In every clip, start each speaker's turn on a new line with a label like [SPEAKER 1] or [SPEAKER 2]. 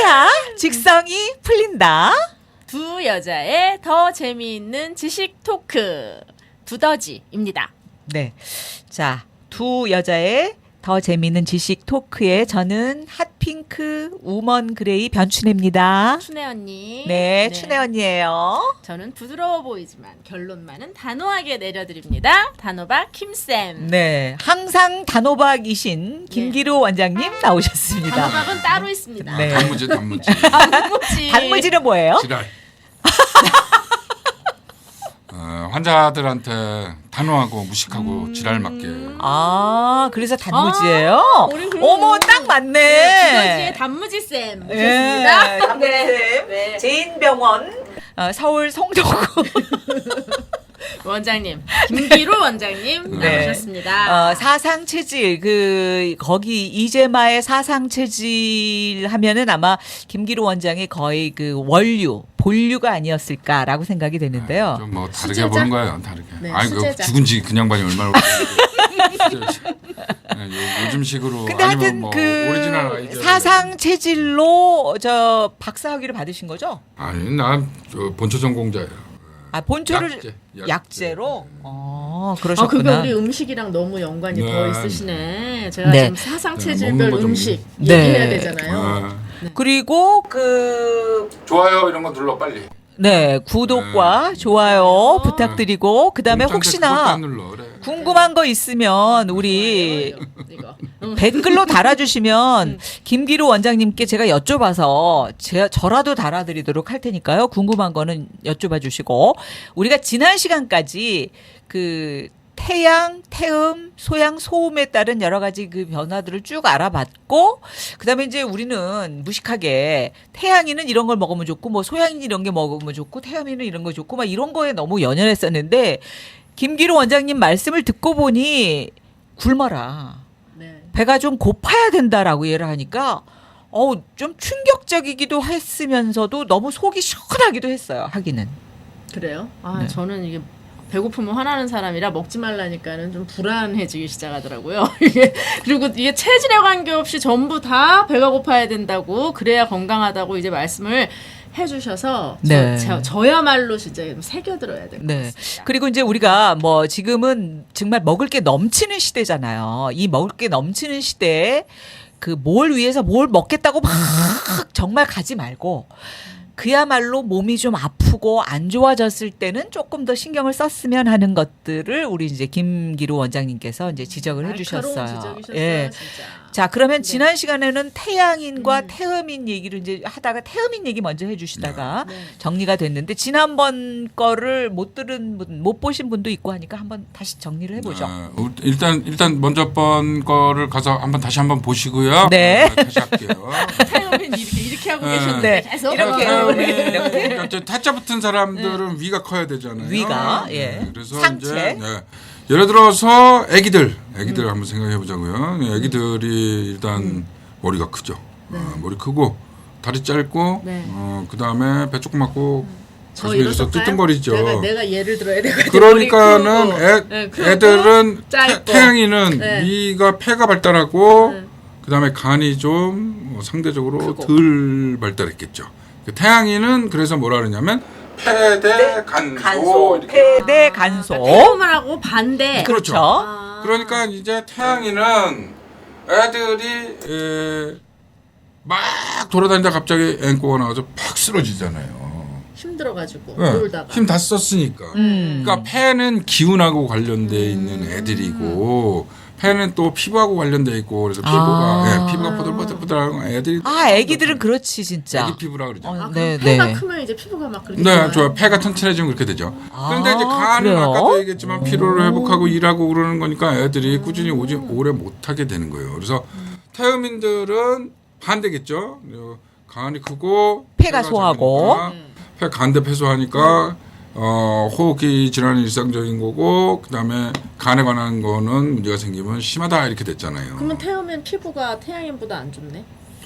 [SPEAKER 1] 이래야 직성이 풀린다.
[SPEAKER 2] 두 여자의 더 재미있는 지식 토크 두더지입니다.
[SPEAKER 1] 네. 자, 두 여자의 더 재미있는 지식 토크에 저는 핫핑크 우먼 그레이 변춘혜입니다.
[SPEAKER 2] 춘혜 언니.
[SPEAKER 1] 네, 춘혜 언니예요.
[SPEAKER 2] 저는 부드러워 보이지만 결론만은 단호하게 내려드립니다. 단호박 김쌤.
[SPEAKER 1] 네, 항상 단호박이신 김기루 원장님 나오셨습니다.
[SPEAKER 2] 단호박은 따로 있습니다.
[SPEAKER 1] 네.
[SPEAKER 3] 단무지.
[SPEAKER 1] 단무지는 뭐예요?
[SPEAKER 3] 지랄. 환자들한테 단호하고 무식하고 지랄 맞게.
[SPEAKER 1] 아, 그래서 단무지예요? 어머, 딱 맞네.
[SPEAKER 2] 두더지의 단무지쌤 모셨습니다.
[SPEAKER 1] 네, 단무지쌤.
[SPEAKER 2] 네.
[SPEAKER 1] 제인병원 서울 성동구
[SPEAKER 2] 원장님 김기루 원장님
[SPEAKER 1] 네.
[SPEAKER 2] 나오셨습니다.
[SPEAKER 1] 사상 체질 거기 이재마의 사상 체질 하면은 아마 김기루 원장이 거의 그 본류가 아니었을까라고 생각이 되는데요.
[SPEAKER 3] 좀 뭐 다르게
[SPEAKER 2] 수제자?
[SPEAKER 3] 보는 거예요. 다르게.
[SPEAKER 2] 네,
[SPEAKER 3] 아니 그
[SPEAKER 2] 수제자.
[SPEAKER 3] 죽은 지 그냥 반이 얼마나 요즘식으로
[SPEAKER 1] 근데
[SPEAKER 3] 아니면
[SPEAKER 1] 하여튼
[SPEAKER 3] 뭐
[SPEAKER 1] 그
[SPEAKER 3] 오리지널 아이디어.
[SPEAKER 1] 사상 체질로 저 박사학위를 받으신 거죠?
[SPEAKER 3] 아니 난 본초 전공자예요.
[SPEAKER 1] 아, 본초를
[SPEAKER 3] 약제.
[SPEAKER 1] 약제로?
[SPEAKER 2] 그게
[SPEAKER 1] 그러셨구나.
[SPEAKER 2] 우리 음식이랑 너무 연관이
[SPEAKER 3] 네.
[SPEAKER 2] 더 있으시네. 제가
[SPEAKER 1] 네.
[SPEAKER 2] 지금 사상
[SPEAKER 3] 네,
[SPEAKER 2] 체질별
[SPEAKER 3] 먹는 거좀
[SPEAKER 2] 음식
[SPEAKER 1] 네.
[SPEAKER 2] 얘기해야 되잖아요.
[SPEAKER 1] 그리고
[SPEAKER 3] 좋아요 이런 거 눌러 빨리.
[SPEAKER 1] 네, 구독과 좋아요 부탁드리고 그다음에
[SPEAKER 3] 공짜인데 그것도
[SPEAKER 1] 혹시나
[SPEAKER 3] 안 눌러, 그래.
[SPEAKER 1] 궁금한 거 있으면 우리
[SPEAKER 2] 이거.
[SPEAKER 1] 댓글로 달아주시면 김기루 원장님께 제가 여쭤봐서 저라도 달아드리도록 할 테니까요. 궁금한 거는 여쭤봐 주시고 우리가 지난 시간까지 그 태양, 태음, 소양, 소음에 따른 여러 가지 그 변화들을 쭉 알아봤고, 그 다음에 이제 우리는 무식하게 태양이는 이런 걸 먹으면 좋고, 뭐 소양이는 이런 게 먹으면 좋고, 태음이는 이런 거 좋고, 막 이런 거에 너무 연연했었는데, 김기루 원장님 말씀을 듣고 보니 굶어라.
[SPEAKER 2] 네.
[SPEAKER 1] 배가 좀 고파야 된다라고 얘기를 하니까, 좀 충격적이기도 했으면서도 너무 속이 시원하기도 했어요, 하기는.
[SPEAKER 2] 그래요?
[SPEAKER 1] 네.
[SPEAKER 2] 저는 이게 배고프면 화나는 사람이라 먹지 말라니까는 좀 불안해지기 시작하더라고요. 그리고 이게 체질에 관계없이 전부 다 배가 고파야 된다고 그래야 건강하다고 이제 말씀을 해주셔서
[SPEAKER 1] 네.
[SPEAKER 2] 저야말로 진짜 새겨들어야 될 것
[SPEAKER 1] 네.
[SPEAKER 2] 같습니다.
[SPEAKER 1] 그리고 이제 우리가 뭐 지금은 정말 먹을 게 넘치는 시대잖아요. 이 먹을 게 넘치는 시대에 그 뭘 위해서 뭘 먹겠다고 막 정말 가지 말고 그야말로 몸이 좀 아프고 안 좋아졌을 때는 조금 더 신경을 썼으면 하는 것들을 우리 이제 김기루 원장님께서 이제 지적을 해주셨어요.
[SPEAKER 2] 날카로운 지적이셨어요,
[SPEAKER 1] 예.
[SPEAKER 2] 진짜.
[SPEAKER 1] 자, 그러면
[SPEAKER 2] 네.
[SPEAKER 1] 지난 시간에는 태양인과 태음인 얘기를 이제 하다가 태음인 얘기 먼저 해주시다가
[SPEAKER 2] 네.
[SPEAKER 1] 정리가 됐는데 지난번 거를 못 들은 분, 못 보신 분도 있고 하니까 한번 다시 정리를 해보죠.
[SPEAKER 3] 일단 먼저 번 거를 가서 다시 한번 보시고요.
[SPEAKER 1] 네.
[SPEAKER 3] 다시 할게요.
[SPEAKER 2] 태음인 이렇게 하고
[SPEAKER 3] 네.
[SPEAKER 2] 계셨는데
[SPEAKER 1] 네.
[SPEAKER 2] 계속
[SPEAKER 1] 이렇게.
[SPEAKER 3] 그러니까 타짜 붙은 사람들은 위가 커야 되잖아요.
[SPEAKER 1] 위가, 예.
[SPEAKER 3] 그래서
[SPEAKER 1] 상체.
[SPEAKER 3] 이제 예를 들어서 아기들 한번 생각해 보자고요. 아기들이 일단 머리가 크죠. 머리 크고 다리 짧고
[SPEAKER 2] 네.
[SPEAKER 3] 그다음에 배 조그맣고
[SPEAKER 2] 저
[SPEAKER 3] 가슴이 이래서
[SPEAKER 2] 이렇을까요?
[SPEAKER 3] 뜨뜻거리죠.
[SPEAKER 2] 내가 예를 들어야 되거든요.
[SPEAKER 3] 그러니까는
[SPEAKER 2] 머리 크고, 크고,
[SPEAKER 3] 애들은
[SPEAKER 2] 짧고.
[SPEAKER 3] 태양이는
[SPEAKER 2] 네.
[SPEAKER 3] 위가 폐가 발달하고
[SPEAKER 2] 네.
[SPEAKER 3] 그다음에 간이 좀 상대적으로
[SPEAKER 2] 크고.
[SPEAKER 3] 덜 발달했겠죠. 태양이는 그래서 뭐라 그러냐면 폐대 간소 이렇게.
[SPEAKER 1] 폐대 간소.
[SPEAKER 2] 태음을 하고 반대.
[SPEAKER 3] 그렇죠.
[SPEAKER 2] 아.
[SPEAKER 3] 그러니까 이제 태양이는 애들이 막 돌아다니다 갑자기 앵꼬가 나와서 팍 쓰러지잖아요.
[SPEAKER 2] 힘들어가지고
[SPEAKER 3] 네,
[SPEAKER 2] 놀다가.
[SPEAKER 3] 힘 다 썼으니까. 그러니까 폐는 기운하고 관련돼 있는 애들이고 폐는 또 피부하고 관련돼 있고 그래서 피부가 포들포들포들하고 애들이
[SPEAKER 1] 애기들은 그렇지 진짜.
[SPEAKER 3] 애기 피부라 그러죠.
[SPEAKER 2] 그럼
[SPEAKER 1] 네,
[SPEAKER 2] 폐가
[SPEAKER 1] 네.
[SPEAKER 2] 크면 이제 피부가 막 그렇게
[SPEAKER 3] 네,
[SPEAKER 2] 좋아요?
[SPEAKER 3] 좋아요. 폐가 튼튼해지면 그렇게 되죠. 그런데 이제 간은
[SPEAKER 1] 그래요?
[SPEAKER 3] 아까도 얘기했지만 피로를 회복하고 일하고 그러는 거니까 애들이 꾸준히 오래 못하게 되는 거예요. 그래서 태음인들은 반대겠죠. 간이 크고
[SPEAKER 1] 폐가 소하고.
[SPEAKER 3] 작으니까 폐 간대 폐소하니까 호흡기 질환이 일상적인 거고 그다음에 간에 관한 거는 문제가 생기면 심하다 이렇게 됐잖아요.
[SPEAKER 2] 그러면 태음은 피부가 태양인보다 안 좋네?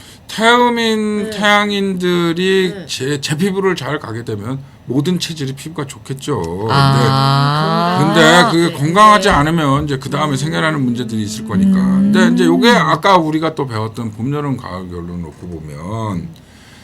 [SPEAKER 3] 태양인들이
[SPEAKER 2] 네.
[SPEAKER 3] 제 피부를 잘 가게 되면 모든 체질이 피부가 좋겠죠.
[SPEAKER 1] 아.
[SPEAKER 3] 근데 그게
[SPEAKER 2] 네.
[SPEAKER 3] 건강하지 않으면 이제 그 다음에 생겨나는 문제들이 있을 거니까. 근데 이제 요게 아까 우리가 또 배웠던 봄, 여름, 가을, 겨울로 놓고 보면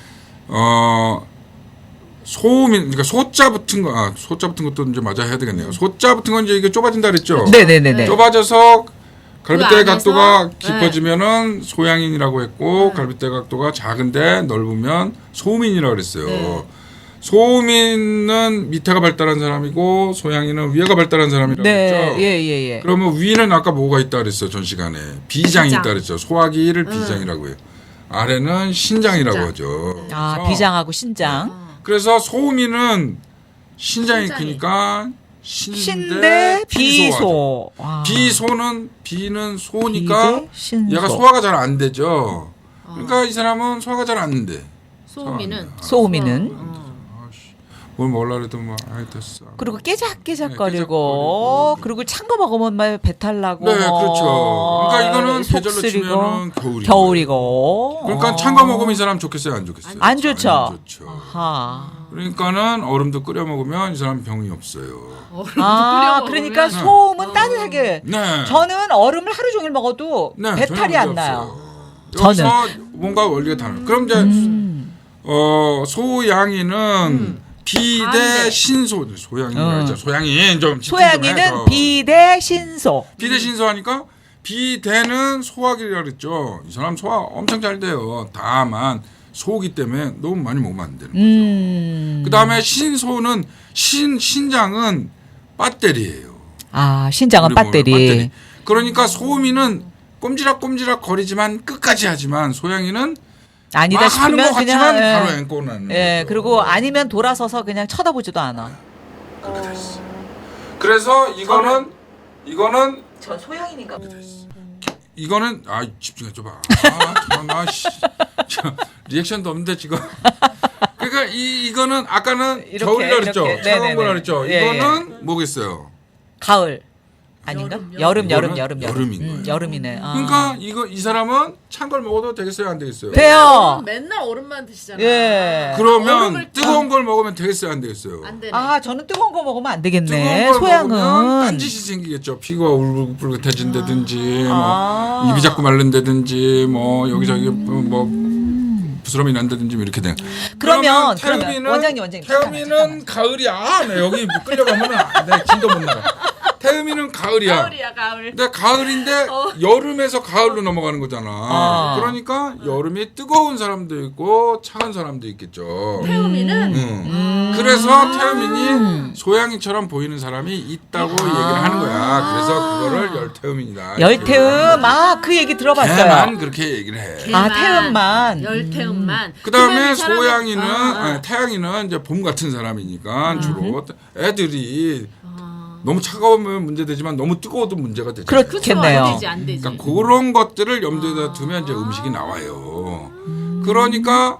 [SPEAKER 3] 소음인 그러니까 소자 붙은 거 소자 붙은 것도 이제 맞아 해야 되겠네요. 소자 붙은 건 이제 이게 좁아진다 그랬죠.
[SPEAKER 1] 네네네네.
[SPEAKER 3] 좁아져서 갈빗대
[SPEAKER 2] 그 안에서?
[SPEAKER 3] 각도가
[SPEAKER 2] 네.
[SPEAKER 3] 깊어지면은 소양인이라고 했고 갈빗대 각도가 작은데 넓으면 소음인이라고 그랬어요.
[SPEAKER 2] 네.
[SPEAKER 3] 소음인은 밑에가 발달한 사람이고 소양인은 위에가 발달한 사람이라고
[SPEAKER 1] 네,
[SPEAKER 3] 그랬죠.
[SPEAKER 1] 예.
[SPEAKER 3] 그러면 위는 아까 뭐가 있다 그랬어요. 전 시간에 비장이
[SPEAKER 2] 비장.
[SPEAKER 3] 있다 그랬죠. 소화기를 비장이라고 해요. 아래는 신장이라고
[SPEAKER 2] 신장.
[SPEAKER 3] 하죠.
[SPEAKER 1] 아,
[SPEAKER 3] 그래서
[SPEAKER 1] 비장하고 신장.
[SPEAKER 3] 그래서 소음인은 신장이
[SPEAKER 2] 신장이.
[SPEAKER 3] 크니까
[SPEAKER 1] 신대
[SPEAKER 3] 신대
[SPEAKER 1] 비소. 아,
[SPEAKER 3] 비소는 비는 소니까
[SPEAKER 1] 비대 신소.
[SPEAKER 3] 얘가 소화가 잘 안 되죠. 그러니까 이 사람은 소화가 잘 안 된대.
[SPEAKER 2] 소음이는
[SPEAKER 1] 소음이는.
[SPEAKER 3] 뭘 먹으려 해도 뭐 아이 됐어.
[SPEAKER 1] 그리고
[SPEAKER 3] 네,
[SPEAKER 1] 깨작깨작거리고
[SPEAKER 3] 깨작거리고.
[SPEAKER 1] 그리고 찬 거 먹으면 막 배탈 나고.
[SPEAKER 3] 네, 그렇죠. 그러니까 이거는
[SPEAKER 1] 속
[SPEAKER 3] 계절로
[SPEAKER 1] 쓰리고,
[SPEAKER 3] 치면은 겨울이고.
[SPEAKER 1] 겨울이고.
[SPEAKER 3] 그러니까 찬 거 먹으면 이 사람 좋겠어요, 안 좋겠어요?
[SPEAKER 1] 안 좋죠.
[SPEAKER 3] 안 좋죠.
[SPEAKER 1] 아하.
[SPEAKER 3] 그러니까는 얼음도 끓여 먹으면 이 사람 병이 없어요.
[SPEAKER 1] 아, 그러니까 소음은 따뜻하게.
[SPEAKER 3] 네.
[SPEAKER 1] 저는 얼음을 하루 종일 먹어도
[SPEAKER 3] 네,
[SPEAKER 1] 배탈이
[SPEAKER 3] 전혀
[SPEAKER 1] 안
[SPEAKER 3] 문제
[SPEAKER 1] 나요.
[SPEAKER 3] 없어요. 여기서 뭔가 원리가 다른. 그럼 이제 소양이는 비대
[SPEAKER 2] 반대.
[SPEAKER 3] 신소 소양이죠. 소양이 좀 집중 좀
[SPEAKER 1] 소양이는
[SPEAKER 3] 해서.
[SPEAKER 1] 비대 신소.
[SPEAKER 3] 비대 신소하니까 비대는 소화기라 그랬죠. 이 사람 소화 엄청 잘 돼요. 다만 소기 때문에 너무 많이 먹으면 안 되는 거죠. 그다음에 신소는 신장은 배터리예요.
[SPEAKER 1] 아, 신장은
[SPEAKER 3] 우리 몸의
[SPEAKER 1] 배터리.
[SPEAKER 3] 그러니까 소음이는 꼼지락꼼지락 거리지만 끝까지 하지만 소양이는
[SPEAKER 1] 아니다
[SPEAKER 3] 막 하는 것
[SPEAKER 1] 싶으면
[SPEAKER 3] 같지만
[SPEAKER 1] 그냥
[SPEAKER 3] 바로 앵꼬 나는
[SPEAKER 1] 예,
[SPEAKER 3] 거죠.
[SPEAKER 1] 그리고 아니면 돌아서서 그냥 쳐다보지도 않아.
[SPEAKER 3] 그렇게 됐어. 그래서 이거는
[SPEAKER 1] 저 소양이니까.
[SPEAKER 3] 이거는 집중해 줘봐. 나 리액션도 없는데 지금. 그러니까 이거는 아까는
[SPEAKER 1] 이렇게,
[SPEAKER 3] 겨울이라 그랬죠.
[SPEAKER 1] 이렇게.
[SPEAKER 3] 차가운
[SPEAKER 1] 네네네.
[SPEAKER 3] 거라 그랬죠.
[SPEAKER 1] 예,
[SPEAKER 3] 이거는 뭐겠어요?
[SPEAKER 1] 가을 아닌가? 여름.
[SPEAKER 3] 이거는 여름인 거예요.
[SPEAKER 1] 여름이네. 아.
[SPEAKER 3] 그러니까 이 사람은 찬 걸 먹어도 되겠어요, 안 되겠어요?
[SPEAKER 1] 돼요.
[SPEAKER 2] 맨날 얼음만 드시잖아.
[SPEAKER 1] 예.
[SPEAKER 3] 그러면
[SPEAKER 2] 얼음을
[SPEAKER 3] 뜨거운 걸 먹으면 되겠어요, 안 되겠어요?
[SPEAKER 2] 안 되네.
[SPEAKER 1] 아, 저는 뜨거운 거 먹으면 안
[SPEAKER 3] 뜨거운
[SPEAKER 1] 되겠네.
[SPEAKER 3] 걸 먹으면
[SPEAKER 1] 소양은.
[SPEAKER 3] 딴짓이 생기겠죠. 피가 울긋불긋해진다든지,
[SPEAKER 1] 아.
[SPEAKER 3] 뭐 입이 자꾸 마른다든지, 뭐 여기저기 뭐 부스럼이 난다든지 뭐 이렇게 돼요.
[SPEAKER 1] 그러면
[SPEAKER 3] 태음이는
[SPEAKER 1] 원장님
[SPEAKER 3] 태음이는 가을이야. 나 여기 끌려가면은 내 진도 못 나가. 태음이는 가을이야.
[SPEAKER 2] 가을.
[SPEAKER 3] 근데 가을인데 여름에서 가을로 넘어가는 거잖아.
[SPEAKER 1] 아.
[SPEAKER 3] 그러니까 여름이 뜨거운 사람도 있고 차가운 사람도 있겠죠.
[SPEAKER 2] 태음이는
[SPEAKER 3] 그래서 태음인이 소양이처럼 보이는 사람이 있다고 얘기를 하는 거야. 그래서 그거를 열태음인이다.
[SPEAKER 1] 열태음. 아, 그 얘기 들어봤어요.
[SPEAKER 3] 걔만 그렇게 얘기를 해.
[SPEAKER 1] 아, 태음만.
[SPEAKER 2] 열태음만.
[SPEAKER 3] 그다음에
[SPEAKER 2] 그러면 이 사람은-
[SPEAKER 3] 소양이는
[SPEAKER 2] 아.
[SPEAKER 3] 태양이는 이제 봄 같은 사람이니까 주로 애들이 너무 차가우면 문제되지만 너무 뜨거워도 문제가 되죠.
[SPEAKER 2] 그쵸,
[SPEAKER 1] 그렇겠네요.
[SPEAKER 2] 안 되지, 안 되지.
[SPEAKER 3] 그러니까 그런 것들을 염두에다 두면 이제 음식이 나와요. 그러니까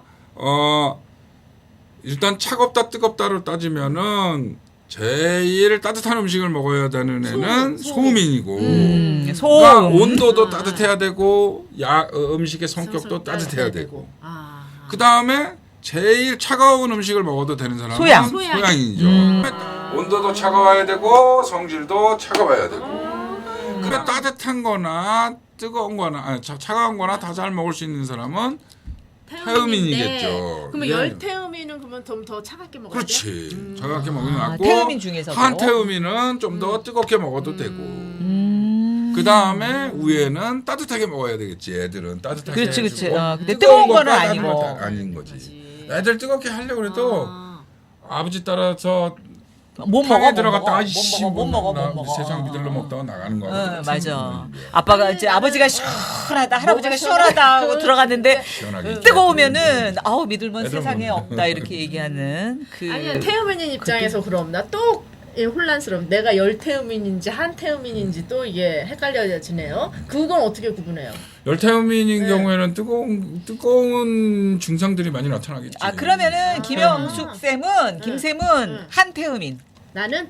[SPEAKER 3] 일단 차갑다 뜨겁다로 따지면은 제일 따뜻한 음식을 먹어야 되는 애는 소음인이고
[SPEAKER 1] 소음.
[SPEAKER 3] 그러니까 온도도 따뜻해야 되고 음식의 성격도 따뜻해야 되고
[SPEAKER 2] 아.
[SPEAKER 3] 그 다음에 제일 차가운 음식을 먹어도 되는 사람은
[SPEAKER 1] 소양.
[SPEAKER 3] 소양이죠. 온도도 차가워야 되고 성질도 차가워야 되고. 그래 따뜻한 거나 뜨거운 거나 차가운 거나 다 잘 먹을 수 있는 사람은 태음인이겠죠.
[SPEAKER 2] 그러면
[SPEAKER 3] 예.
[SPEAKER 2] 열태음인은 그러면 좀 더 차갑게 먹어야 돼?
[SPEAKER 3] 그렇지. 차갑게 먹으면 낫고
[SPEAKER 1] 태음인 중에서도.
[SPEAKER 3] 한태음인은 좀 더 뜨겁게 먹어도 되고. 그 다음에 위에는 따뜻하게 먹어야 되겠지. 애들은 따뜻하게.
[SPEAKER 1] 그렇지, 그렇지.
[SPEAKER 3] 해주고
[SPEAKER 1] 근데 뜨거운 거는
[SPEAKER 3] 것과
[SPEAKER 1] 아니고.
[SPEAKER 3] 다른 건 아닌 거지. 애들 뜨겁게 하려고 해도 아버지 따라서
[SPEAKER 1] 못
[SPEAKER 3] 탕에
[SPEAKER 1] 먹어.
[SPEAKER 3] 들어갔다
[SPEAKER 1] 못 먹어.
[SPEAKER 3] 세상 비들로 먹다가 나가는 거.
[SPEAKER 1] 맞아. 아빠가 이제 아버지가 시원하다, 할아버지가 시원하다 하고 들어갔는데
[SPEAKER 3] 시원하게.
[SPEAKER 1] 뜨거우면은 아우 믿을만
[SPEAKER 3] 애들
[SPEAKER 1] 세상에
[SPEAKER 3] 먹는
[SPEAKER 1] 없다 이렇게 얘기하는 그.
[SPEAKER 2] 아니야 태음인인 입장에서 그럼 나 또 혼란스러움. 내가 열태음인인지 한태음인인지 또 이게 헷갈려지네요. 그건 어떻게 구분해요?
[SPEAKER 3] 열태음인인 경우에는 뜨거운 증상들이 많이 나타나겠지.
[SPEAKER 1] 아 그러면은 김영숙 쌤은 김쌤은 한태음인.
[SPEAKER 2] 나는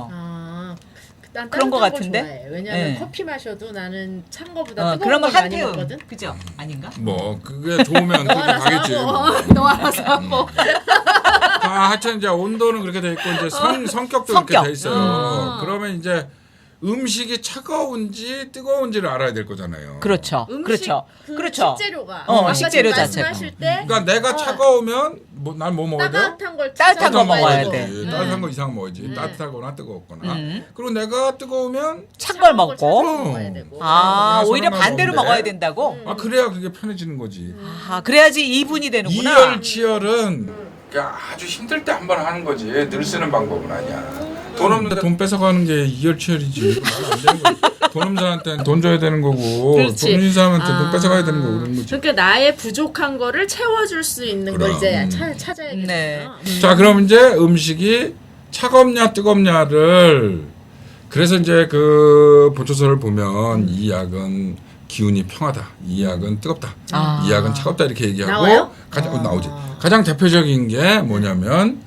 [SPEAKER 2] 난
[SPEAKER 1] 그런 거
[SPEAKER 2] 따뜻한
[SPEAKER 1] 같은데?
[SPEAKER 2] 좋아해. 왜냐면
[SPEAKER 1] 네.
[SPEAKER 2] 커피 마셔도 나는 찬 거보다 뜨거운
[SPEAKER 1] 그러면
[SPEAKER 2] 거 많이
[SPEAKER 1] 한태음.
[SPEAKER 2] 먹거든.
[SPEAKER 1] 그죠? 아닌가?
[SPEAKER 3] 뭐 그게 좋으면 그렇게 가겠지.
[SPEAKER 2] 너 알아서 하고.
[SPEAKER 3] 하여튼 이제 온도는 그렇게 돼 있고 이제 성격도
[SPEAKER 1] 성격.
[SPEAKER 3] 그렇게 돼 있어요. 그러면 이제 음식이 차가운지 뜨거운지를 알아야 될 거잖아요.
[SPEAKER 1] 그렇죠.
[SPEAKER 2] 음식
[SPEAKER 1] 그렇죠.
[SPEAKER 2] 그
[SPEAKER 1] 그렇죠.
[SPEAKER 2] 식재료가
[SPEAKER 1] 어,
[SPEAKER 2] 아까
[SPEAKER 1] 식재료
[SPEAKER 2] 지금
[SPEAKER 1] 자체가.
[SPEAKER 2] 말씀하실 때
[SPEAKER 3] 그러니까 내가 차가우면 난 뭐 먹어야 돼?
[SPEAKER 2] 따뜻한 걸
[SPEAKER 1] 따뜻한 거
[SPEAKER 2] 찾아서
[SPEAKER 1] 먹어야
[SPEAKER 2] 먹어야지.
[SPEAKER 1] 돼.
[SPEAKER 3] 따뜻한 거 이상 먹어야지. 따뜻하거나 뜨거웠거나. 그리고 내가 뜨거우면
[SPEAKER 1] 찬 걸 먹고.
[SPEAKER 2] 찾아서 먹어야 되고.
[SPEAKER 1] 아,
[SPEAKER 3] 내가
[SPEAKER 1] 오히려
[SPEAKER 3] 소리만
[SPEAKER 1] 반대로
[SPEAKER 3] 먹는데.
[SPEAKER 1] 먹어야 된다고?
[SPEAKER 3] 아 그래야 그게 편해지는 거지.
[SPEAKER 1] 아, 그래야지 2분이 되는구나.
[SPEAKER 3] 이열치열은 그냥 아주 힘들 때 한 번 하는 거지. 늘 쓰는 방법은 아니야. 돈 없는데 돈 뺏어가는 게 이열치열이지. 말안 되는 거지. 돈 없는 사람한테 돈 줘야 되는 거고
[SPEAKER 2] 그렇지.
[SPEAKER 3] 돈 있는 사람한테 돈 뺏어가야 되는 거고 그런 거지.
[SPEAKER 2] 그러니까 나의 부족한 거를 채워줄 수 있는 걸
[SPEAKER 3] 그럼.
[SPEAKER 2] 이제 찾아야겠구나.
[SPEAKER 1] 네.
[SPEAKER 3] 자 그럼 이제 음식이 차갑냐 뜨겁냐를 그래서 이제 그 보초서를 보면 이 약은 기운이 평하다. 이 약은 뜨겁다.
[SPEAKER 1] 아.
[SPEAKER 3] 이 약은 차갑다 이렇게 얘기하고
[SPEAKER 2] 나와요?
[SPEAKER 3] 가장 나오지. 가장 대표적인 게 뭐냐면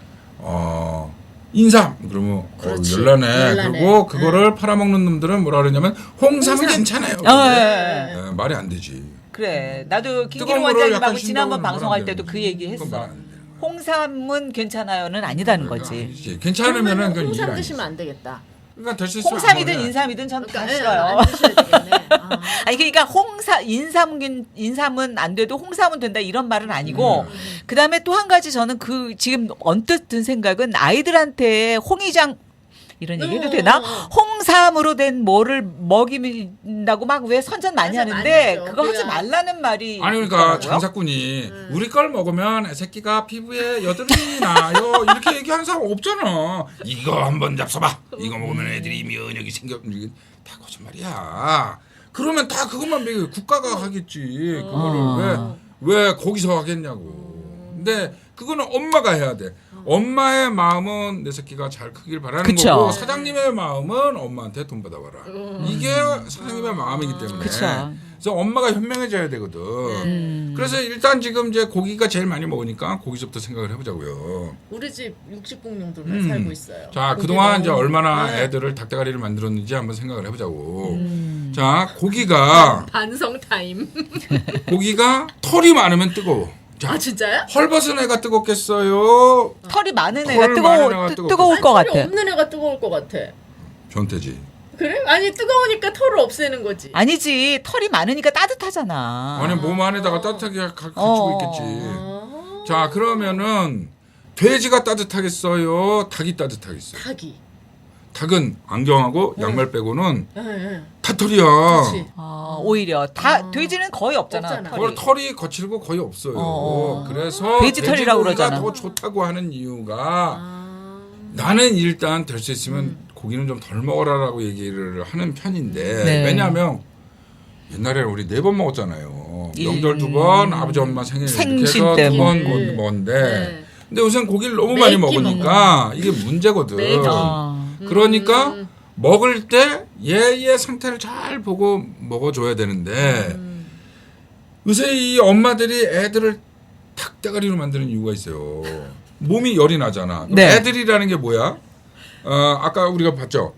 [SPEAKER 3] 인삼 그러면
[SPEAKER 2] 그렇지.
[SPEAKER 3] 열나네.
[SPEAKER 2] 열나네.
[SPEAKER 3] 그리고 그거를 팔아먹는 놈들은 뭐라 그러냐면 홍삼은 괜찮아요.
[SPEAKER 1] 예.
[SPEAKER 3] 말이 안 되지.
[SPEAKER 1] 그래. 나도 김기룡
[SPEAKER 3] 뜨거운 거를 약간
[SPEAKER 1] 원장님하고 지난번
[SPEAKER 3] 쉰다고는
[SPEAKER 1] 방송할
[SPEAKER 3] 말안
[SPEAKER 1] 때도
[SPEAKER 3] 되는
[SPEAKER 1] 그 얘기
[SPEAKER 3] 거지. 그건
[SPEAKER 1] 했어.
[SPEAKER 3] 말안 되는 거야.
[SPEAKER 1] 홍삼은 괜찮아요는 아니다는 거지.
[SPEAKER 3] 아니지. 괜찮으면은
[SPEAKER 2] 그러면
[SPEAKER 3] 그건
[SPEAKER 2] 홍삼
[SPEAKER 3] 일
[SPEAKER 2] 드시면
[SPEAKER 3] 아니지.
[SPEAKER 2] 안 되겠다.
[SPEAKER 3] 그러니까 될 수 있으면
[SPEAKER 1] 홍삼이든
[SPEAKER 3] 안 먹어야.
[SPEAKER 1] 인삼이든 전 다
[SPEAKER 2] 그러니까
[SPEAKER 1] 싫어요.
[SPEAKER 2] 안 드셔야 되겠네. 아.
[SPEAKER 1] 아니 그러니까 인삼은 안 돼도 홍삼은 된다 이런 말은 아니고 그다음에 또 한 가지 저는 그 지금 언뜻 든 생각은 아이들한테 홍이장 이런 얘기 해도 되나? 홍삼으로 된 뭐를 먹인다고 막 왜 선전 많이
[SPEAKER 2] 맞아,
[SPEAKER 1] 하는데
[SPEAKER 2] 많이 하죠.
[SPEAKER 1] 그거 하지
[SPEAKER 2] 그래야.
[SPEAKER 1] 말라는 말이
[SPEAKER 3] 아니 그러니까
[SPEAKER 1] 있더라고요.
[SPEAKER 3] 장사꾼이 우리 걸 먹으면 새끼가 피부에 여드름이 나요 이렇게 얘기하는 사람 없잖아. 이거 한번 잡숴봐. 이거 먹으면 애들이 면역이 생겨. 이게 다 거짓말이야. 그러면 다 그것만 먹여. 국가가 하겠지. 그거를 왜 거기서 하겠냐고. 근데 그거는 엄마가 해야 돼. 엄마의 마음은 내 새끼가 잘 크길 바라는
[SPEAKER 1] 그쵸.
[SPEAKER 3] 거고 사장님의 마음은 엄마한테 돈 받아봐라. 이게 사장님의 마음이기 때문에.
[SPEAKER 1] 그쵸.
[SPEAKER 3] 그래서 엄마가 현명해져야 되거든. 그래서 일단 지금 이제 고기가 제일 많이 먹으니까 고기서부터 생각을 해보자고요.
[SPEAKER 2] 우리 집 60공룡들만 살고 있어요.
[SPEAKER 3] 자
[SPEAKER 2] 고기
[SPEAKER 3] 그동안
[SPEAKER 2] 너무-
[SPEAKER 3] 이제 얼마나
[SPEAKER 2] 네.
[SPEAKER 3] 애들을 닭대가리를 만들었는지 한번 생각을 해보자고. 자 고기가
[SPEAKER 2] 반성 타임.
[SPEAKER 3] 털이 많으면 뜨거워. 자
[SPEAKER 2] 아 진짜요?
[SPEAKER 3] 헐벗은 애가 뜨겁겠어요.
[SPEAKER 1] 털이 많은
[SPEAKER 3] 털
[SPEAKER 1] 애가
[SPEAKER 3] 많은 애가
[SPEAKER 1] 뜨거울 것
[SPEAKER 2] 털이
[SPEAKER 1] 같아.
[SPEAKER 2] 없는 애가 뜨거울 것 같아.
[SPEAKER 3] 변태지.
[SPEAKER 2] 그래? 아니 뜨거우니까 털을 없애는 거지.
[SPEAKER 1] 아니지 털이 많으니까 따뜻하잖아.
[SPEAKER 3] 아니 몸 안에다가 따뜻하게 갖추고
[SPEAKER 1] 어.
[SPEAKER 3] 있겠지.
[SPEAKER 2] 아.
[SPEAKER 3] 자 그러면은 돼지가 따뜻하겠어요. 닭이 따뜻하겠어요.
[SPEAKER 2] 닭이.
[SPEAKER 3] 닭은 안경하고 양말 빼고는
[SPEAKER 2] 예, 예.
[SPEAKER 3] 다 털이야.
[SPEAKER 2] 그렇지.
[SPEAKER 1] 오히려 돼지는 거의 없잖아.
[SPEAKER 2] 없잖아.
[SPEAKER 1] 털이.
[SPEAKER 3] 털이 거칠고 거의 없어요.
[SPEAKER 1] 어.
[SPEAKER 3] 그래서
[SPEAKER 1] 돼지 털이라고
[SPEAKER 3] 돼지고기가
[SPEAKER 1] 그러잖아.
[SPEAKER 3] 더 좋다고 하는 이유가
[SPEAKER 2] 아.
[SPEAKER 3] 나는 일단 될 수 있으면 고기는 좀 덜 먹어라라고 얘기를 하는 편인데
[SPEAKER 1] 네.
[SPEAKER 3] 왜냐하면 옛날에 우리 4번 먹었잖아요.
[SPEAKER 1] 일.
[SPEAKER 3] 명절 2번, 아버지 엄마 생일 이렇게
[SPEAKER 1] 생신
[SPEAKER 3] 해서
[SPEAKER 1] 때문에.
[SPEAKER 3] 2번 먹었는데
[SPEAKER 2] 네.
[SPEAKER 3] 근데 요새는 고기를 너무 많이
[SPEAKER 2] 매끼
[SPEAKER 3] 먹으니까 이게 문제거든.
[SPEAKER 2] 매끼.
[SPEAKER 3] 그러니까 먹을 때 얘의 상태를 잘 보고 먹어줘야 되는데 요새 이 엄마들이 애들을 닭대가리로 만드는 이유가 있어요. 몸이 열이 나잖아. 그럼
[SPEAKER 1] 네.
[SPEAKER 3] 애들이라는 게 뭐야? 아까 우리가 봤죠.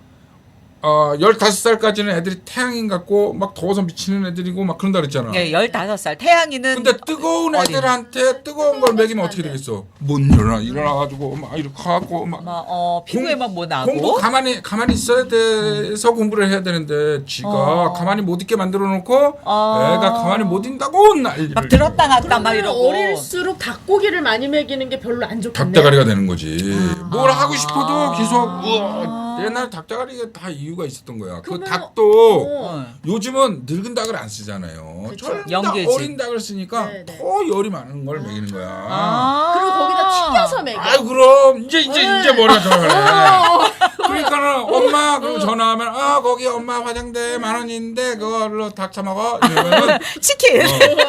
[SPEAKER 3] 15살까지는 애들이 태양인 같고 막 더워서 미치는 애들이고 막 그런다 그랬잖아.
[SPEAKER 1] 예, 15살. 태양이는
[SPEAKER 3] 근데 뜨거운
[SPEAKER 1] 어린.
[SPEAKER 3] 애들한테 뜨거운 걸 먹이면 어떻게 되겠어? 못 일어나가지고 막 이렇게 하고 막
[SPEAKER 1] 피부에 막 뭐 나고.
[SPEAKER 3] 공부 가만히 있어야 돼서 공부를 해야 되는데 지가 가만히 못 있게 만들어 놓고 애가 가만히 못 있다고 난리를
[SPEAKER 1] 막 들었다 놨다 막
[SPEAKER 2] 그러면
[SPEAKER 1] 이러고.
[SPEAKER 2] 어릴수록 닭고기를 많이 먹이는 게 별로 안 좋겠네.
[SPEAKER 3] 닭대가리가 되는 거지. 뭘 하고 싶어도 계속 우와, 옛날 닭대가리가 다 이유가 있었던 거야. 그
[SPEAKER 2] 그러면-
[SPEAKER 3] 닭도
[SPEAKER 2] 어.
[SPEAKER 3] 요즘은 늙은 닭을 안 쓰잖아요.
[SPEAKER 2] 그쵸.
[SPEAKER 3] 젊은 닭,
[SPEAKER 1] 연계지.
[SPEAKER 3] 어린 닭을 쓰니까
[SPEAKER 2] 네, 네.
[SPEAKER 3] 더 열이 많은 걸 먹이는 거야.
[SPEAKER 2] 그리고 거기다 튀겨서 먹여.
[SPEAKER 3] 아유 그럼 이제 머리가 돌아가네. 그러니까는 엄마 그리고 전화하면 거기 엄마 화장대 10,000원인데 그걸로 닭 사 먹어 이러면은
[SPEAKER 1] 치킨.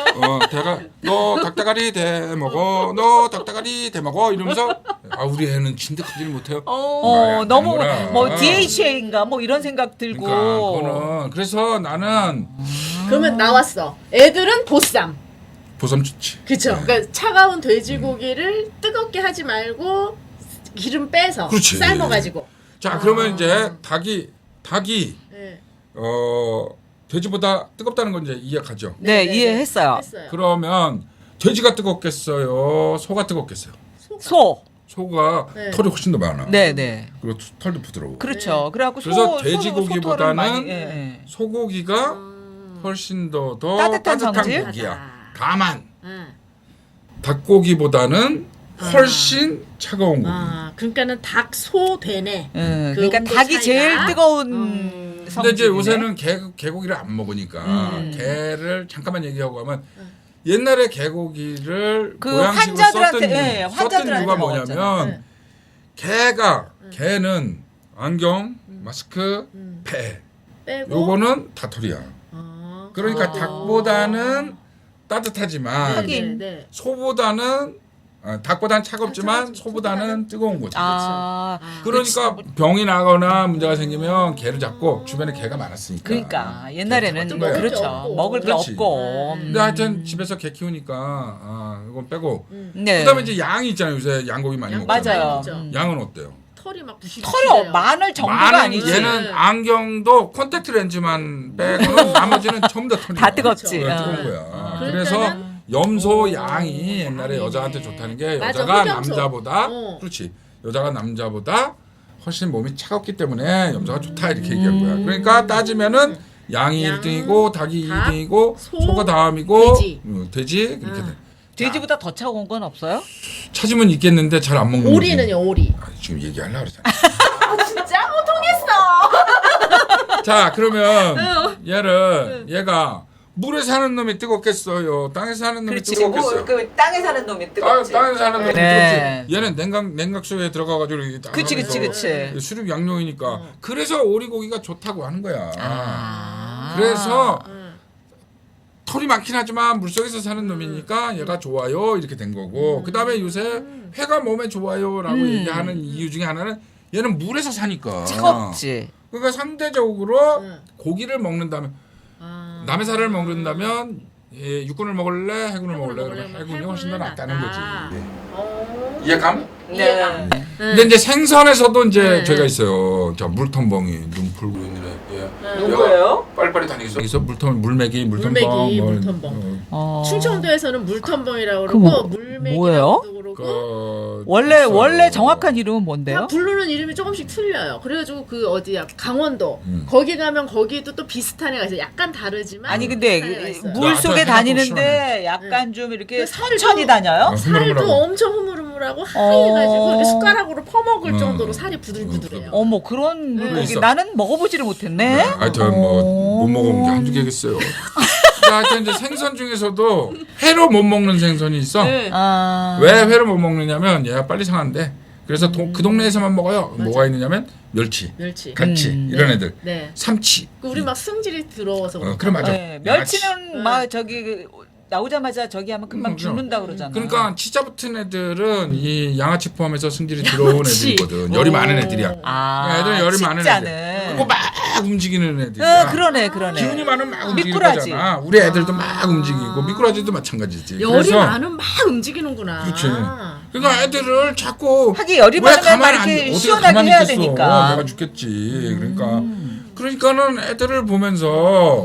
[SPEAKER 3] 너 닭다가리 대 먹어 너 닭다가리 대 먹어 이러면서 우리 애는 진득하지를 못해요.
[SPEAKER 1] 너무
[SPEAKER 3] 아니구나.
[SPEAKER 1] 뭐 DHA인가 뭐 이런 생각 들고.
[SPEAKER 3] 그러니까 그거는 그래서 나는
[SPEAKER 2] 그러면 나왔어. 애들은 보쌈.
[SPEAKER 3] 보쌈 좋지.
[SPEAKER 2] 그쵸? 그러니까 차가운 돼지고기를 뜨겁게 하지 말고 기름 빼서
[SPEAKER 3] 그렇지.
[SPEAKER 2] 삶아가지고.
[SPEAKER 3] 자 그러면 이제 닭이
[SPEAKER 2] 네.
[SPEAKER 3] 돼지보다 뜨겁다는 건 이제 이해가죠.
[SPEAKER 1] 네,
[SPEAKER 2] 네,
[SPEAKER 1] 이해했어요.
[SPEAKER 2] 했어요.
[SPEAKER 3] 그러면 돼지가 뜨겁겠어요? 소가 뜨겁겠어요?
[SPEAKER 1] 소.
[SPEAKER 3] 소가
[SPEAKER 2] 네.
[SPEAKER 3] 털이 훨씬 더 많아.
[SPEAKER 1] 네, 네.
[SPEAKER 3] 그리고 털도 부드러워.
[SPEAKER 1] 그렇죠. 그래갖고
[SPEAKER 3] 그래서
[SPEAKER 1] 소는
[SPEAKER 3] 돼지고기보다는
[SPEAKER 1] 소털을 많이, 예, 예.
[SPEAKER 3] 소고기가 훨씬 더
[SPEAKER 1] 따뜻한 성질?
[SPEAKER 3] 고기야. 다만
[SPEAKER 2] 응.
[SPEAKER 3] 닭고기보다는 훨씬 차가운 고기.
[SPEAKER 2] 그러니까는 닭, 소, 되네.
[SPEAKER 1] 응,
[SPEAKER 2] 그
[SPEAKER 1] 그러니까
[SPEAKER 2] 온도
[SPEAKER 1] 닭이 제일
[SPEAKER 2] 차이가?
[SPEAKER 1] 뜨거운
[SPEAKER 3] 근데
[SPEAKER 1] 성질이네.
[SPEAKER 3] 이제 요새는 개고기를 안 먹으니까 개를 잠깐만 얘기하고 하면 옛날에 개고기를
[SPEAKER 1] 그
[SPEAKER 3] 보양식으로
[SPEAKER 1] 환자들한테,
[SPEAKER 3] 썼던,
[SPEAKER 1] 예,
[SPEAKER 3] 썼던
[SPEAKER 1] 환자들한테
[SPEAKER 3] 이유가
[SPEAKER 1] 먹었잖아요.
[SPEAKER 3] 뭐냐면 개는 안경, 마스크, 배
[SPEAKER 2] 빼고.
[SPEAKER 3] 요거는 다털이야. 그러니까
[SPEAKER 1] 아.
[SPEAKER 3] 닭보다는 따뜻하지만
[SPEAKER 1] 하긴.
[SPEAKER 2] 네.
[SPEAKER 3] 소보다는 닭보다는 차갑지만 소보다는 뜨거운 거지.
[SPEAKER 1] 아,
[SPEAKER 3] 그러니까 병이 나거나 문제가 생기면 개를 잡고 주변에 개가 많았으니까.
[SPEAKER 1] 그러니까 옛날에는
[SPEAKER 3] 좀 먹을 게
[SPEAKER 1] 그렇죠.
[SPEAKER 2] 없고.
[SPEAKER 1] 먹을 게
[SPEAKER 3] 그렇지.
[SPEAKER 1] 없고.
[SPEAKER 3] 근데 하여튼 집에서 개 키우니까 이건 빼고
[SPEAKER 1] 네.
[SPEAKER 3] 그다음에 이제 양이 있잖아요. 요새 양고기 많이 먹잖아요.
[SPEAKER 1] 맞아요.
[SPEAKER 2] 그죠.
[SPEAKER 3] 양은 어때요?
[SPEAKER 2] 털이 막 부시부시.
[SPEAKER 1] 털이 마늘 정도가
[SPEAKER 3] 많은
[SPEAKER 1] 아니지.
[SPEAKER 3] 얘는 안경도 콘택트 렌즈만 빼고는 나머지는 전부 다 털이
[SPEAKER 1] 다 뜨겁지.
[SPEAKER 3] 뜨거운 거야. 그래서
[SPEAKER 2] 그러니까는
[SPEAKER 3] 염소 양이 옛날에
[SPEAKER 2] 양이네.
[SPEAKER 3] 여자한테 좋다는 게
[SPEAKER 2] 맞아,
[SPEAKER 3] 여자가
[SPEAKER 2] 흑염소.
[SPEAKER 3] 남자보다
[SPEAKER 2] 어.
[SPEAKER 3] 그렇지. 여자가 남자보다 훨씬 몸이 차갑기 때문에 염소가 좋다 이렇게 얘기한 거야. 그러니까 따지면은 양이
[SPEAKER 2] 양,
[SPEAKER 3] 1등이고 닭이
[SPEAKER 2] 닭,
[SPEAKER 3] 2등이고
[SPEAKER 2] 소,
[SPEAKER 3] 소가 다음이고
[SPEAKER 2] 돼지.
[SPEAKER 3] 돼지 그렇게 돼.
[SPEAKER 1] 돼지보다 더 차가운 건 없어요?
[SPEAKER 3] 찾으면 있겠는데 잘 안 먹는 거지.
[SPEAKER 2] 오리는요, 오리.
[SPEAKER 3] 지금 얘기하려고 그러잖아.
[SPEAKER 2] 진짜 못 통했어.
[SPEAKER 3] 자 그러면 얘가 물에 사는 놈이 뜨겁겠어요. 땅에 사는 놈이
[SPEAKER 1] 그렇지.
[SPEAKER 3] 뜨겁겠어요.
[SPEAKER 1] 그 땅에 사는 놈이 뜨겁지.
[SPEAKER 3] 땅에 사는 놈이
[SPEAKER 1] 네.
[SPEAKER 3] 뜨겁지. 얘는 냉각 속에 들어가가지고 이렇게 딱
[SPEAKER 1] 그치, 그치,
[SPEAKER 3] 하면서
[SPEAKER 1] 그치.
[SPEAKER 3] 수륙 양용이니까 그래서 오리고기가 좋다고 하는 거야.
[SPEAKER 1] 아.
[SPEAKER 3] 그래서 털이 많긴 하지만 물속에서 사는 놈이니까 얘가 좋아요 이렇게 된 거고 그 다음에 요새 회가 몸에 좋아요라고 얘기하는 이유 중에 하나는 얘는 물에서 사니까
[SPEAKER 1] 뜨겁지.
[SPEAKER 3] 그러니까 상대적으로
[SPEAKER 2] 응.
[SPEAKER 3] 고기를 먹는다면 남의 살을 먹는다면 육군을 먹을래 해군을 먹을래 그러면 해군이 훨씬 더 낫다는 거지. 이해감?
[SPEAKER 1] 네.
[SPEAKER 3] 근데 이제 생선에서도 이제
[SPEAKER 2] 네.
[SPEAKER 3] 죄가 있어요. 자 물텀벙이 눈 풀고 있는 애.
[SPEAKER 1] 누구예요?
[SPEAKER 3] 빨리빨리 다니겠어. 여기서 물메기
[SPEAKER 2] 물메기,
[SPEAKER 3] 뭐,
[SPEAKER 2] 물텀벙. 충청도에서는 물텀벙이라고
[SPEAKER 1] 그 뭐-
[SPEAKER 2] 그러고 물메기라고도
[SPEAKER 1] 뭐예요?
[SPEAKER 2] 그러고
[SPEAKER 1] 원래 정확한 이름은 뭔데요?
[SPEAKER 2] 다 부르는 이름이 조금씩 틀려요. 그래가지고 그 어디야 강원도 거기 가면 거기도 또 비슷한 애가 있어요. 약간 다르지만
[SPEAKER 1] 아니 근데
[SPEAKER 2] 비슷한 애가 있어요.
[SPEAKER 1] 물 속에
[SPEAKER 3] 해가
[SPEAKER 1] 다니는데 약간 좀 이렇게
[SPEAKER 2] 그 살도-
[SPEAKER 1] 천천히 다녀요?
[SPEAKER 2] 살도 엄청 흐물흐물하고 하얘가지고 이렇게 숟가락으로 퍼먹을 정도로 살이 부들부들해요.
[SPEAKER 1] 어머 그런 물고기
[SPEAKER 3] 있어.
[SPEAKER 1] 나는 먹어보지를 못했네.
[SPEAKER 3] 하여튼 뭐 못 먹어본 게 한두 개겠어요. 하여튼 이제 생선 중에서도 회로 못 먹는 생선이 있어.
[SPEAKER 2] 네.
[SPEAKER 1] 아.
[SPEAKER 3] 왜 회를 못 먹느냐면 얘가 빨리 상한데. 그래서 그 동네에서만 먹어요. 뭐가 있느냐면 멸치,
[SPEAKER 2] 멸치.
[SPEAKER 3] 갈치 이런 애들.
[SPEAKER 2] 네.
[SPEAKER 3] 삼치.
[SPEAKER 2] 그 우리 막 승질이 들어워서 그렇다.
[SPEAKER 3] 그래 맞아.
[SPEAKER 1] 네, 멸치는 막 저기 나오자마자 저기 하면 금방
[SPEAKER 3] 그럼.
[SPEAKER 1] 죽는다 그러잖아.
[SPEAKER 3] 그러니까 치자 붙은 애들은 이 양아치 포함해서 승질이 들어온
[SPEAKER 2] 양아치.
[SPEAKER 3] 애들이거든. 열이 많은 애들이야.
[SPEAKER 1] 아,
[SPEAKER 3] 애들은 열이 많은 애들.
[SPEAKER 1] 진짜는.
[SPEAKER 3] 그리고 막 움직이는 애들이야.
[SPEAKER 1] 그러네.
[SPEAKER 3] 기운이 많으면 막 움직일
[SPEAKER 1] 미꾸라지.
[SPEAKER 3] 거잖아. 우리 애들도 막 움직이고 미꾸라지도 마찬가지지.
[SPEAKER 2] 열이
[SPEAKER 3] 그래서
[SPEAKER 2] 많으면 막 움직이는구나.
[SPEAKER 3] 그렇지. 그러니까 애들을 자꾸
[SPEAKER 1] 하긴 열이
[SPEAKER 3] 왜
[SPEAKER 1] 많으면
[SPEAKER 3] 가만히
[SPEAKER 1] 막 이렇게
[SPEAKER 3] 어디가
[SPEAKER 1] 시원하게
[SPEAKER 3] 가만히
[SPEAKER 1] 해야
[SPEAKER 3] 있겠어.
[SPEAKER 1] 되니까.
[SPEAKER 3] 내가 죽겠지. 그러니까는 애들을 보면서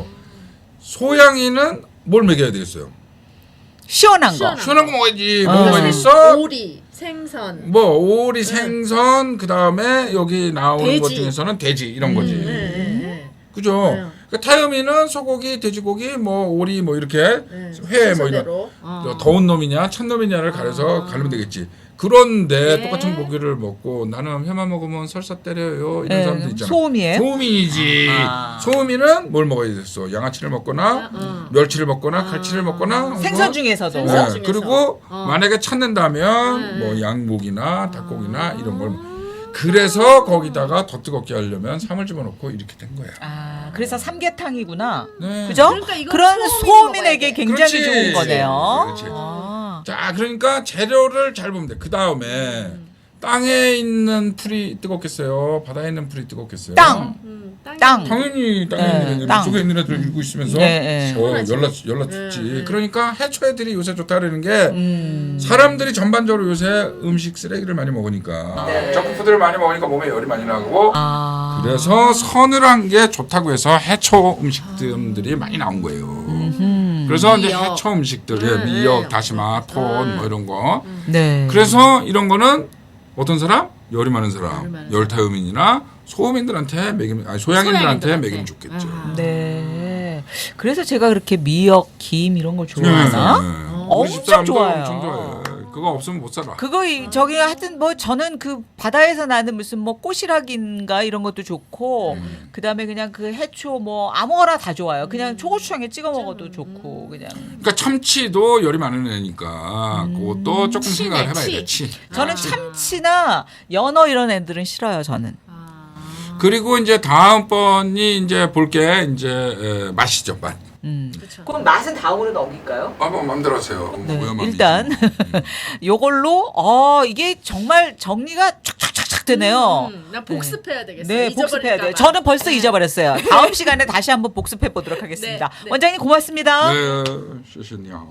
[SPEAKER 3] 소양이는 뭘 먹여야 되겠어요?
[SPEAKER 1] 시원한 거.
[SPEAKER 2] 시원한
[SPEAKER 3] 시원한 거 먹어야지.
[SPEAKER 1] 어.
[SPEAKER 3] 뭐가 있어?
[SPEAKER 2] 오리, 생선.
[SPEAKER 3] 뭐 오리, 생선, 그 다음에 여기 나오는
[SPEAKER 2] 돼지.
[SPEAKER 3] 것 중에서는 돼지 이런 거지.
[SPEAKER 2] 네.
[SPEAKER 3] 그죠? 그러니까 타요미는 소고기, 돼지고기, 뭐 오리, 뭐 이렇게 회, 뭐 이런
[SPEAKER 2] 순서대로.
[SPEAKER 3] 더운 놈이냐, 찬 놈이냐를 가려서 가르면 되겠지. 그런데
[SPEAKER 2] 네.
[SPEAKER 3] 똑같은 고기를 먹고 나는 회만 먹으면 설사 때려요 이런
[SPEAKER 1] 네,
[SPEAKER 3] 사람들 있잖아.
[SPEAKER 1] 소음이에요?
[SPEAKER 3] 소음이지.
[SPEAKER 1] 아.
[SPEAKER 3] 소음이는 뭘 먹어야 됐어? 양아치를 먹거나 멸치를 먹거나 갈치를 먹거나
[SPEAKER 1] 생선
[SPEAKER 3] 뭐,
[SPEAKER 1] 중에서도.
[SPEAKER 2] 생선
[SPEAKER 3] 네.
[SPEAKER 2] 중에서.
[SPEAKER 3] 그리고 만약에 찾는다면 뭐 양고기나 닭고기나 이런 걸 그래서 거기다가 더 뜨겁게 하려면 삼을 집어넣고 이렇게 된 거야.
[SPEAKER 1] 아, 그래서 삼계탕이구나.
[SPEAKER 3] 네.
[SPEAKER 1] 그죠?
[SPEAKER 2] 그러니까 이건
[SPEAKER 1] 그런
[SPEAKER 2] 소음이
[SPEAKER 1] 소음인에게
[SPEAKER 2] 먹어야 돼.
[SPEAKER 1] 굉장히
[SPEAKER 3] 그렇지.
[SPEAKER 1] 좋은 거네요.
[SPEAKER 3] 그렇지.
[SPEAKER 1] 아.
[SPEAKER 3] 자, 그러니까 재료를 잘 보면 돼. 그 다음에 땅에 있는 풀이 뜨겁겠어요? 바다에 있는 풀이 뜨겁겠어요?
[SPEAKER 1] 땅. 땅.
[SPEAKER 3] 당연히 땅에
[SPEAKER 1] 네,
[SPEAKER 3] 있는 애들,
[SPEAKER 1] 땅.
[SPEAKER 3] 물속에 있는 애들 읽고 있으면서
[SPEAKER 1] 네, 네.
[SPEAKER 3] 연락 죽지. 그러니까 해초 애들이 요새 좋다 그러는 게 사람들이 전반적으로 요새 음식 쓰레기를 많이 먹으니까 정크푸드를 많이 먹으니까 몸에 열이 많이 나고
[SPEAKER 1] 아.
[SPEAKER 3] 그래서 서늘한 게 좋다고 해서 해초 음식들이 많이 나온 거예요. 그래서 이제
[SPEAKER 2] 미역.
[SPEAKER 3] 해초 음식들, 미역, 다시마, 톤 뭐 이런 거.
[SPEAKER 1] 네.
[SPEAKER 3] 그래서 이런 거는 어떤 사람? 열이 많은 사람,
[SPEAKER 2] 열이 많은
[SPEAKER 3] 열타음인이나 소음인들한테 먹이면, 아니 소양인들한테
[SPEAKER 2] 소양인들한테.
[SPEAKER 3] 먹이면 좋겠죠.
[SPEAKER 1] 네. 그래서 제가 그렇게 미역, 김 이런 걸 좋아하나?
[SPEAKER 3] 네.
[SPEAKER 1] 엄청
[SPEAKER 3] 우리 집사람도
[SPEAKER 1] 좋아요.
[SPEAKER 3] 엄청 좋아해요. 그거 없으면 못 살아.
[SPEAKER 1] 그거 저기 하여튼 뭐 저는 그 바다에서 나는 무슨 뭐 꼬시락인가 이런 것도 좋고 그다음에 그냥 그 해초 뭐 아무거나 다 좋아요. 그냥 초고추장에 찍어 먹어도 좋고 그냥.
[SPEAKER 3] 그러니까 참치도 열이 많은 애니까 그것도 조금
[SPEAKER 2] 치네,
[SPEAKER 3] 생각을 해봐야
[SPEAKER 2] 치.
[SPEAKER 3] 돼. 치.
[SPEAKER 1] 저는 참치나 연어 이런 애들은 싫어요. 저는.
[SPEAKER 3] 그리고 이제 다음번이 이제 볼 게 이제 맛이죠, 맛.
[SPEAKER 2] 그쵸.
[SPEAKER 1] 그럼 맛은 다음으로 넘길까요?
[SPEAKER 3] 뭐 마음대로 하세요.
[SPEAKER 1] 네,
[SPEAKER 3] 오야맘이지.
[SPEAKER 1] 일단 요걸로 이게 정말 정리가 촥촥촥촥 되네요.
[SPEAKER 2] 나 복습해야 되겠어요.
[SPEAKER 1] 네, 복습해야 돼요.
[SPEAKER 2] 잊어버릴까 봐.
[SPEAKER 1] 저는 벌써 잊어버렸어요. 다음 시간에 다시 한번 복습해 보도록 하겠습니다.
[SPEAKER 2] 네, 네.
[SPEAKER 1] 원장님 고맙습니다.
[SPEAKER 3] 네, 谢谢你好。